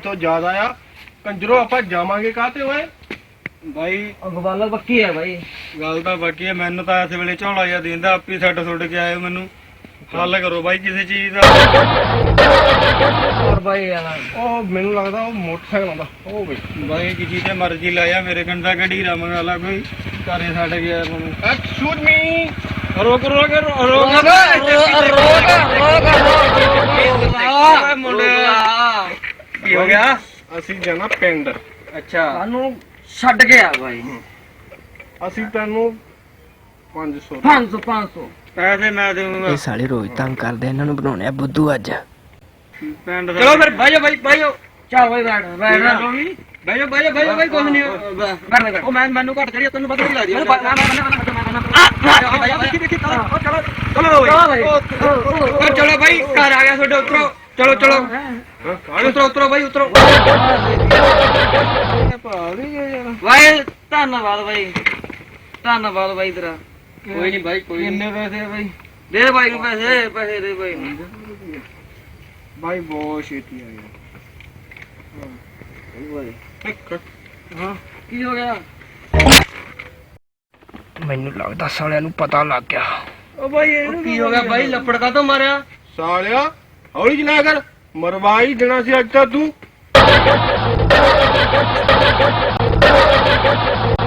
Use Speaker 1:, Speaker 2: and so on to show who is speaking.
Speaker 1: ਤੋਂ ਜ਼ਿਆਦਾ ਆ। ਕੰਜਰੋ ਆਪਾਂ ਜਾਵਾਂਗੇ ਕਾਹਤੇ ਓਏ?
Speaker 2: ਬਾਈ
Speaker 3: ਗੱਲ ਪੱਕੀ ਹੈ ਬਾਈ।
Speaker 2: ਗੱਲ ਤਾਂ ਬਾਕੀ ਹੈ, ਮੈਨੂੰ ਤਾਂ ਇਸ ਵੇਲੇ ਝੋਲਾ ਜਿਹਾ ਦਿੰਦਾ, ਆਪੀ ਛੱਡ ਛੁੱਟ ਕੇ ਆਏ ਮੈਨੂੰ। ਹੱਲ ਕਰੋ ਬਾਈ ਕਿਸੇ ਚੀਜ਼ ਦਾ।
Speaker 3: ਹੋਰ ਬਾਈ ਯਾਰ
Speaker 1: ਉਹ ਮੈਨੂੰ ਲੱਗਦਾ ਉਹ ਮੋਟਰਸਾਈਕਲ ਆਉਂਦਾ ਉਹ ਬਈ।
Speaker 2: ਬਾਈ ਕੀ ਤੇ ਮਰਜ਼ੀ ਲਾਇਆ, ਮੇਰੇ ਕੰਡਾ ਗੱਡੀ ਰਮਣ ਵਾਲਾ ਕੋਈ ਘਰੇ ਛੱਡ ਗਿਆ ਮੈਨੂੰ।
Speaker 1: Excuse me.
Speaker 2: ਰੋਕ ਰੋਕ ਰੋਕ ਮੁੰਡਿਆ, ਕੀ ਹੋ ਗਿਆ?
Speaker 1: ਅਸੀਂ ਜਾਣਾ ਪਿੰਡ।
Speaker 2: ਅੱਛਾ
Speaker 3: ਸਾਨੂੰ ਛੱਡ ਗਿਆ ਬਾਈ।
Speaker 1: ਅਸੀਂ ਤੈਨੂੰ 500
Speaker 3: 500
Speaker 2: ਪੈਸੇ ਮੈਂ ਦੇਵਾਂਗਾ।
Speaker 4: ਇਹ ਸਾਲੇ ਰੋਜ਼ ਤੰਗ ਕਰਦੇ, ਇਹਨਾਂ ਨੂੰ ਬਣਾਉਣੇ ਆ ਬੁੱਧੂ ਅੱਜ।
Speaker 2: ਪਿੰਡ ਚਲੋ ਫਿਰ ਬਾਈਓ ਬਾਈ ਬਾਈਓ।
Speaker 3: ਚੱਲ ਬਾਈ ਬੈਠ ਬੈਠ
Speaker 2: ਬਾਈਓ ਬਾਈਓ ਬਾਈਓ ਬਾਈ ਕੁਝ ਨਹੀਂ। ਉਹ ਮੈਨੂੰ ਘੱਟ ਚੜੀ, ਤੈਨੂੰ ਪਤਾ ਨਹੀਂ ਲੱਗਦੀ। ਚਲੋ ਬਾਈ ਘਰ ਆ ਗਿਆ ਤੁਹਾਡੇ, ਉਤਰੋ। ਚਲੋ ਚਲੋ ਉਤਰੋ ਉਤਰੋ ਬਾਈ ਉਤਰੋ।
Speaker 3: ਬਾਈ ਧੰਨਵਾਦ ਬਾਈ, ਧੰਨਵਾਦ ਬਾਈ ਤੇਰਾ।
Speaker 2: ਕੋਈ ਨਹੀਂ ਬਾਈ ਕੋਈ
Speaker 3: ਕਿੰਨੇ ਪੈਸੇ ਬਾਈ? ਦੇ ਬਾਈ ਨੂੰ ਪੈਸੇ, ਪੈਸੇ ਦੇ ਬਾਈ ਨੂੰ।
Speaker 1: ਬਾਈ ਬਹੁਤ ਛੇਤੀ ਆ ਗਿਆ।
Speaker 3: ਹਾਂ ਕੀ ਹੋ ਗਿਆ?
Speaker 4: ਮੈਨੂੰ ਲੱਗਦਾ ਸਾਲਿਆਂ ਨੂੰ ਪਤਾ ਲੱਗ ਗਿਆ।
Speaker 3: ਉਹ ਬਾਈ ਇਹਨੂੰ ਕੀ ਹੋ ਗਿਆ ਬਾਈ? ਲੱਪੜ ਕਾ ਤੋਂ ਮਾਰਿਆ?
Speaker 1: ਸਾਲਿਆ ਹੌਲੀ ਚਲਾ ਕਰ, ਮਰਵਾਈ ਦੇਣਾ ਸੀ ਅੱਜ ਤਾਂ ਤੂੰ।